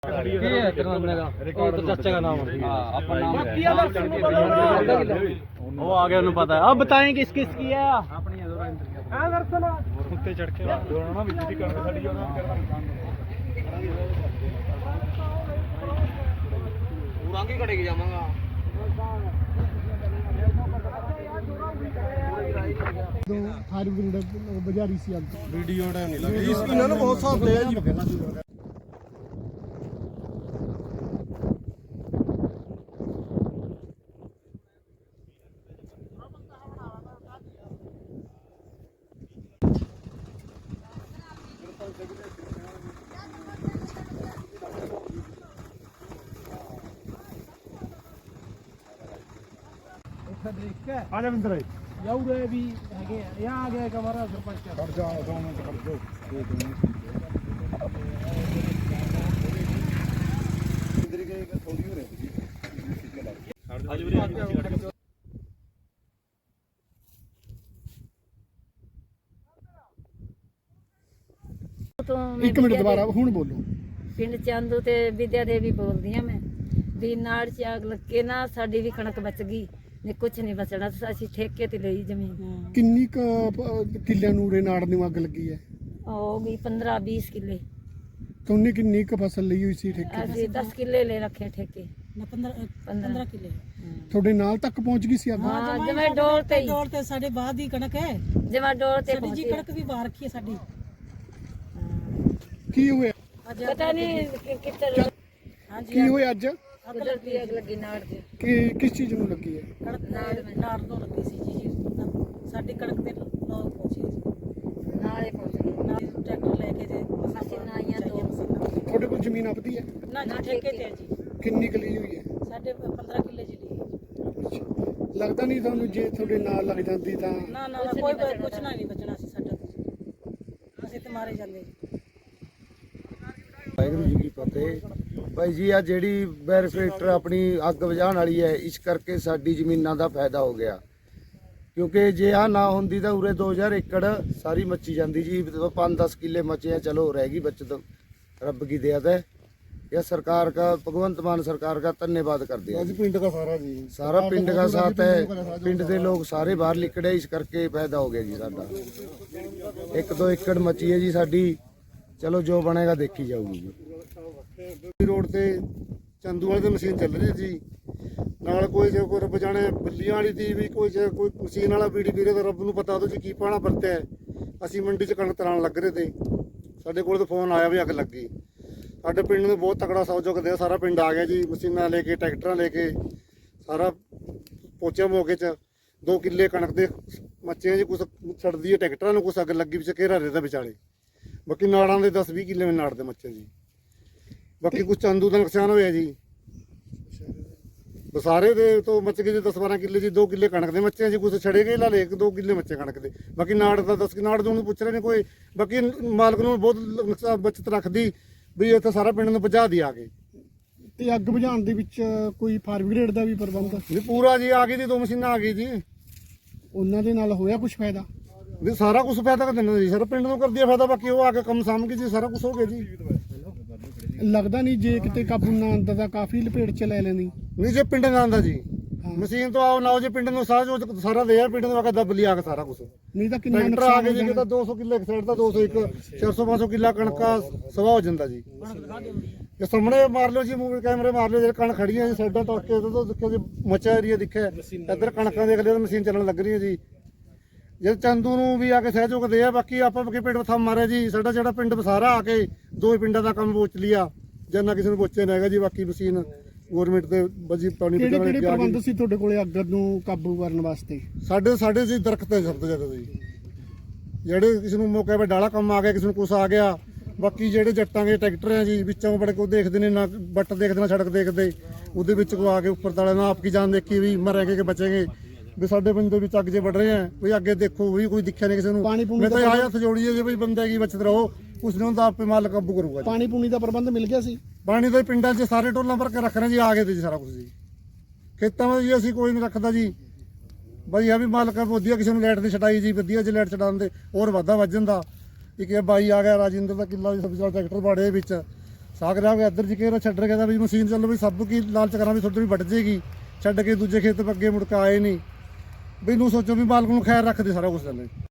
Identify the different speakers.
Speaker 1: चाचा का नाम
Speaker 2: वो आगे उन्हें पता है। अब बताएं किस किस की है।
Speaker 1: उत्ते चढ़ के ना बिजली कणक खड़ी
Speaker 2: पूरा कटेगी जाऊंगा
Speaker 3: बाजारी सी
Speaker 1: वीडियो नहीं लगी इसकी ना बहुत साफ है जी।
Speaker 3: आजा बिंदर
Speaker 1: यार भी है यहाँ आ गया हमारा सरपंच
Speaker 3: खड़ जा 2 मिनट खड़ जाओ इधर के थोड़ी हो रही एक मिनट दोबारा हुण बोलो
Speaker 4: ਪਿੰਡ ਚੰਦੂ ਤੇ ਵਿਦਿਆ ਦੇਵੀ ਬੋਲਦੀ ਆ ਮੈਂ ਵੀ ਨਾੜ ਚ ਅੱਗ ਲੱਗੇ ਨਾ ਸਾਡੀ ਵੀ ਕਣਕ ਬਚ ਗਈ ਨੇ ਕੁਝ ਨਹੀਂ ਬਚਣਾ ਅਸੀਂ ਠੇਕੇ ਤੇ ਲਈ ਜ਼ਮੀਨ
Speaker 3: ਕਿੰਨੀ ਕਿੱਲਿਆਂ ਨੂੰ ਰੇ ਨਾੜ ਨੂੰ ਅੱਗ ਲੱਗੀ ਹੈ
Speaker 4: ਹੋ ਗਈ 15 20 ਕਿੱਲੇ
Speaker 3: ਤੁਮਨੇ ਕਿੰਨੀ ਕ ਫਸਲ ਲਈ ਹੋਈ ਸੀ ਠੇਕੇ
Speaker 4: ਅਸੀਂ 10 ਕਿੱਲੇ ਲੈ ਰੱਖੇ ਠੇਕੇ 15 ਕਿੱਲੇ
Speaker 3: ਤੁਹਾਡੇ ਨਾਲ ਤੱਕ ਪਹੁੰਚ ਗਈ ਸੀ ਅੱਗ
Speaker 4: ਹਾਂ ਜਿਵੇਂ ਡੋਲ ਤੇ
Speaker 5: ਡੋਲ ਤੇ ਸਾਡੇ ਬਾਅਦ ਦੀ ਕਣਕ ਹੈ
Speaker 4: ਜਿਵੇਂ ਡੋਲ ਤੇ
Speaker 5: ਸਾਡੀ ਜੀ ਕਣਕ ਵੀ ਬਾਹਰ ਰੱਖੀ ਹੈ ਸਾਡੀ
Speaker 3: ਕੀ ਹੋਇਆ
Speaker 4: ਪਤਾ ਨਹੀਂ ਕਿੱਥੇ
Speaker 3: ਕੀ ਹੋਇਆ ਅੱਜ
Speaker 4: ਕੁਦਰਤੀ ਅੱਗ ਲੱਗੀ ਨਾੜ ਤੇ
Speaker 3: ਕਿ ਕਿਸ ਚੀਜ਼ ਨੂੰ ਲੱਗੀ ਹੈ
Speaker 5: ਕਣਕ ਨਾੜ ਨੂੰ ਲੱਗੀ ਸੀ ਜੀ ਸਾਡੀ ਕਣਕ ਦੇ ਲੋਕ ਪਹੁੰਚੇ ਜੀ
Speaker 4: ਨਾਲੇ ਪਹੁੰਚ ਗਈ
Speaker 5: ਨਾਲ ਟਰੈਕਟਰ ਲੈ ਕੇ ਜੇ
Speaker 4: ਅਸੀਂ ਨਾਈਆਂ ਤੋਂ
Speaker 3: ਤੁਹਾਡੇ ਕੋਲ ਜ਼ਮੀਨ ਆਪਦੀ ਹੈ
Speaker 5: ਨਾ ਜੀ ਠੇਕੇ ਤੇ ਹੈ ਜੀ
Speaker 3: ਕਿੰਨੀ ਕੁ ਲਈ ਹੋਈ ਹੈ
Speaker 5: ਸਾਡੇ 15 ਕਿੱਲੇ ਜੀ ਲਈ
Speaker 3: ਲੱਗਦਾ ਨਹੀਂ ਤੁਹਾਨੂੰ ਜੇ ਤੁਹਾਡੇ ਨਾਲ ਲੱਗ ਜਾਂਦੀ ਤਾਂ
Speaker 5: ਨਾ ਨਾ ਕੋਈ ਕੁਛ ਨਹੀਂ ਬਚਣਾ ਸੀ ਸਾਡਾ ਅਸੀਂ ਤੇ ਮਾਰੇ ਜਾਂਦੇ
Speaker 6: ਵਾਹਿਗੁਰੂ ਜੀ ਕੀ ਫਤਿਹ। ਭਾਈ ਜੀ ਆ ਜਿਹੜੀ ਬੈਰੀਫੈਕਟਰ ਆਪਣੀ ਅੱਗ ਬੁਝਾਉਣ ਵਾਲੀ ਹੈ ਇਸ ਕਰਕੇ ਸਾਡੀ ਜ਼ਮੀਨਾਂ ਦਾ ਫਾਇਦਾ ਹੋ ਗਿਆ ਕਿਉਂਕਿ ਜੇ ਆ ਨਾ ਹੁੰਦੀ ਤਾਂ ਉਰੇ 2000 ਏਕੜ ਸਾਰੀ ਮੱਚੀ ਜਾਂਦੀ ਜੀ 5-10 ਕਿੱਲੇ ਮੱਚੇ ਆ ਚਲੋ ਰਹਿ ਗਈ बचत रब की दया है। यह सरकार का भगवंत मान सरकार का धन्यवाद करते हैं।
Speaker 3: ਪਿੰਡ ਦਾ ਸਾਰਾ ਜੀ
Speaker 6: सारा पिंड का साथ है पिंड के लोग सारे बाहर निकले इस करके फायदा हो गया जी साडा 1-2 एकड़ मची है जी साडी चलो जो बनेगा देखी जाऊगी जी।
Speaker 3: ਰੋਡ ਤੇ ਚੰਦੂ ਵਾਲੇ ਦੀ ਮਸ਼ੀਨ ਚੱਲ ਰਹੀ ਸੀ ਨਾਲ ਕੋਈ ਜੇ ਕੋਈ ਰੱਬ ਜਾਣੇ ਬੱਲੀਆਂ ਵਾਲੀ ਦੀ ਵੀ ਕੋਈ ਜੇ ਕੋਈ ਮਸ਼ੀਨ ਵਾਲਾ ਬੀੜੀ ਵੀਰੇ ਦਾ ਰੱਬ ਨੂੰ ਪਤਾ ਉਹਦੇ ਚ ਕੀ ਪਾਣਾ ਵਰਤਿਆ ਅਸੀਂ ਮੰਡੀ ਚ ਕਣਕ ਤਰਾਣ ਲੱਗ ਰਹੇ ਤੇ ਸਾਡੇ ਕੋਲ ਤਾਂ ਫੋਨ ਆਇਆ ਵੀ ਅੱਗ ਲੱਗੀ ਸਾਡੇ ਪਿੰਡ ਨੂੰ ਬਹੁਤ ਤਕੜਾ ਸਹਿਯੋਗ ਦਿਆ ਸਾਰਾ ਪਿੰਡ ਆ ਗਿਆ ਜੀ ਮਸ਼ੀਨਾਂ ਲੈ ਕੇ ਟਰੈਕਟਰਾਂ ਲੈ ਕੇ ਸਾਰਾ ਪਹੁੰਚਿਆ ਮੌਕੇ 'ਚ 2 ਕਿੱਲੇ ਕਣਕ ਦੇ ਮੱਚੇ ਜੀ ਕੁਛ ਛੱਡਦੀ ਹੈ ਟਰੈਕਟਰਾਂ ਨੂੰ ਕੁਛ ਅੱਗ ਲੱਗੀ ਵਿੱਚ ਘੇਰਾ ਰਹਿਦਾ ਵਿਚਾਲੇ ਬਾਕੀ ਨਾੜਾਂ ਦੇ 10-20 ਕਿੱਲੇ ਵਿੱਚ ਨਾੜ ਦੇ ਮੱਚੇ ਜੀ ਬਾਕੀ ਕੁਛ ਚੰਦੂ ਦਾ ਨੁਕਸਾਨ ਹੋਇਆ ਜੀ ਬਸਾਰੇ ਦੇ ਤੋਂ ਮੱਚ ਗਏ ਜੀ 10-12 ਕਿੱਲੇ ਜੀ 2 ਕਿੱਲੇ ਕਣਕ ਦੇ ਮੱਚੇ ਜੀ ਕੁਛ ਛੜੇ ਗਏ ਲਾਲੇ 1-2 ਕਿੱਲੇ ਮੱਚੇ ਕਣਕ ਦੇ ਬਾਕੀ ਨਾੜ ਦਾ 10 ਨਾੜ ਨੂੰ ਪੁੱਛ ਰਹੇ ਨੇ ਕੋਈ ਬਾਕੀ ਮਾਲਕ ਨੂੰ ਬਹੁਤ ਨੁਕਸਾਨ ਬਚਤ ਰੱਖਦੀ ਵੀ ਇੱਥੇ ਸਾਰਾ ਪਿੰਡ ਨੂੰ ਬੁਝਾ ਦੀ ਆ ਕੇ ਤੇ ਅੱਗ ਬੁਝਾਉਣ ਦੇ ਵਿੱਚ ਕੋਈ ਫਾਇਰ ਬ੍ਰਿਗੇਡ ਦਾ ਵੀ ਪ੍ਰਬੰਧ ਨਹੀਂ ਪੂਰਾ ਜੀ ਆ ਗਈ ਜੀ 2 ਮਸ਼ੀਨਾਂ ਆ ਗਈ ਜੀ ਉਹਨਾਂ ਦੇ ਨਾਲ ਹੋਇਆ ਕੁਝ ਫਾਇਦਾ ਵੀ ਸਾਰਾ ਕੁਝ ਫਾਇਦਾ ਕਰ ਦਿੰਦੇ ਜੀ ਸਾਰਾ ਪਿੰਡ ਨੂੰ ਕਰਦੀ ਫਾਇਦਾ ਬਾਕੀ ਉਹ ਆ ਕੇ ਕੰਮ ਸਾਂਭ ਕੇ ਜੀ ਸਾਰਾ ਕੁਝ ਹੋ ਗਿਆ ਜੀ ਲੱਗਦਾ ਨਹੀਂ ਜੇ ਕਿਤੇ ਕਾਬੂ ਨਾ ਆਉਂਦਾ ਤਾਂ ਕਾਫੀ ਲਪੇਟ ਚ ਲੈ ਲੈਣੀ ਨਹੀਂ ਜੇ ਪਿੰਡ ਨਾ ਆਉਂਦਾ ਜੀ ਮਸ਼ੀਨ ਤੋਂ ਆਓ ਨਾ ਜੇ ਪਿੰਡ ਨੂੰ ਸਾਰਾ ਦੇ ਆ ਪਿੰਡ ਨੂੰ ਆ ਕੇ ਦੱਬ ਲਿਆ ਕੇ ਸਾਰਾ ਕੁਝ ਨਹੀਂ ਤਾਂ ਕਿੰਨਾ ਟਰੈਕਟਰ ਆ ਕੇ ਜੀ ਕਿਤਾ 200 ਕਿੱਲੇ ਇੱਕ ਸਾਈਡ ਦਾ 201 400-500 ਕਿੱਲਾ ਕਣਕਾ ਸਵਾ ਹੋ ਜਾਂਦਾ ਜੀ ਇਹ ਸਾਹਮਣੇ ਮਾਰ ਲਿਓ ਜੀ ਮੂਵੀ ਕੈਮਰੇ ਮਾਰ ਲਿਓ ਜਿਹੜੇ ਕਣ ਖੜੀਆਂ ਜੀ ਸਾਈਡਾਂ ਤੜਕੇ ਤੋਂ ਦੇਖਿਓ ਜੀ ਮੱਚਾ ਏਰੀਆ ਦਿਖਿਆ ਇੱਧਰ ਕਣਕਾਂ ਦੇਖ ਲਿਓ ਮਸ਼ੀਨ ਚੱਲਣ ਲੱਗ ਰਹੀ ਹੈ ਜੀ ਜੇ ਚੰਦੂ ਨੂੰ ਵੀ ਆ ਕੇ ਸਹਿਯੋਗ ਦੇ ਆ ਬਾਕੀ ਆਪਾਂ ਕਿ ਪਿੰਡ ਥੰਮ ਮਾਰਿਆ ਜੀ ਸਾਡਾ ਜਿਹੜਾ ਪਿੰਡ ਬਸਾਰਾ ਆ ਕੇ 2 ਪਿੰਡਾਂ ਦਾ ਕੰਮ ਪੋਚ ਲਿਆ ਜਨਾ ਕਿਸੇ ਨੂੰ ਪੋਚੇ ਨਾ ਹੈਗਾ ਜੀ ਬਾਕੀ ਮਸ਼ੀਨ ਗਵਰਨਮੈਂਟ ਦੇ ਬਜੀ ਪਾਣੀ ਪਹੁੰਚਾਉਣ ਲਈ ਕਿਹੜੇ ਪ੍ਰਬੰਧ ਸੀ ਤੁਹਾਡੇ ਕੋਲੇ ਅੱਗ ਨੂੰ ਕਾਬੂ ਕਰਨ ਵਾਸਤੇ ਸਾਡੇ ਜੀ ਦਰਖਤ ਹੈ ਸਭ ਤੋਂ ਜ਼ਿਆਦਾ ਜੀ ਜਿਹੜੇ ਕਿਸੇ ਨੂੰ ਮੌਕੇ 'ਤੇ ਡਾਲਾ ਕੰਮ ਆ ਗਿਆ ਕਿਸੇ ਨੂੰ ਕੁਛ ਆ ਗਿਆ ਬਾਕੀ ਜਿਹੜੇ ਜੱਟਾਂ ਦੇ ਟਰੈਕਟਰ ਆ ਜੀ ਵਿੱਚੋਂ ਬੜੇ ਕੋ ਦੇਖਦੇ ਨੇ ਨਾ ਬੱਟ ਦੇਖਦੇ ਨਾ ਸੜਕ ਦੇਖਦੇ ਉਹਦੇ ਵਿੱਚ ਕੋ ਆ ਕੇ ਉੱਪਰ ਤਾਲੇ ਨਾਲ ਆਪ ਕੀ ਜਾਨ ਦੇਖੀ ਵੀ ਮਰਾਂਗੇ ਕਿ ਬਚेंगे ਵੀ ਸਾਡੇ ਪਿੰਡ ਦੇ ਵਿੱਚ ਅੱਗ ਜੇ ਵੱਢ ਰਹੇ ਆ ਵੀ ਅੱਗੇ ਦੇਖੋ ਵੀ ਕੋਈ ਦਿਖਿਆ ਨਹੀਂ ਕਿਸੇ ਨੂੰ ਮੈਂ ਤਾਂ ਆਇਆ ਹੱਥ ਜੋੜੀ ਜੀ ਵੀ ਬੰਦੇ ਕੀ ਬਚਤ ਰਹੋ ਉਸ ਨੂੰ ਤਾਂ ਆਪੇ ਮਾਲਕ ਕਾਬੂ ਕਰੂਗਾ ਪਾਣੀ ਪੂਣੀ ਦਾ ਪ੍ਰਬੰਧ ਮਿਲ ਗਿਆ ਸੀ ਪਾਣੀ ਦੇ ਪਿੰਡਾਂ 'ਚ ਸਾਰੇ ਟੋਲਾਂ ਭਰ ਕੇ ਰੱਖ ਰਹੇ ਜੀ ਆ ਗਏ ਤੇ ਜੀ ਸਾਰਾ ਕੁਝ ਜੀ ਖੇਤਾਂ ਵਿੱਚ ਜੀ ਅਸੀਂ ਕੋਈ ਨਹੀਂ ਰੱਖਦਾ ਜੀ ਬਈ ਆ ਵੀ ਮਾਲਕ ਵਧੀਆ ਕਿਸੇ ਨੂੰ ਲਾਈਟ ਦੀ ਛਡਾਈ ਜੀ ਵਧੀਆ ਜੇ ਲਾਈਟ ਛਡਾਉਣ ਦੇ ਹੋਰ ਵਾਧਾ ਵੱਜ ਜਾਂਦਾ ਇੱਕ ਇਹ ਬਾਈ ਆ ਗਿਆ ਰਾਜਿੰਦਰ ਦਾ ਕਿੱਲਾ ਸਬਜ਼ੀ ਵਾਲਾ ਟਰੈਕਟਰ ਬਾੜੇ ਵਿੱਚ ਸਾਗ ਲਿਆ ਕੇ ਇੱਧਰ ਜੀ ਕੇ ਛੱਡ ਰਿਹਾ ਕਹਿੰਦਾ ਵੀ ਮਸ਼ੀਨ ਚੱਲੋ ਵੀ ਸਭ ਕੀ ਲਾਲਚ ਕਰਾਂ ਵੀ ਤੁਹਾਡੇ ਵੀ ਵੱਢ ਜੇਗੀ, ਛੱਡ ਕੇ ਦੂਜੇ ਖੇਤ ਅੱਗੇ ਮੁੜ ਕੇ ਆਏ ਨਹੀਂ। ਵੀ ਨੂੰ ਸੋਚੋ ਵੀ ਮਾਲਕ ਨੂੰ ਖੈਰ ਰੱਖਦੇ ਸਾਰਾ ਕੁਝ ਚੱਲੇ।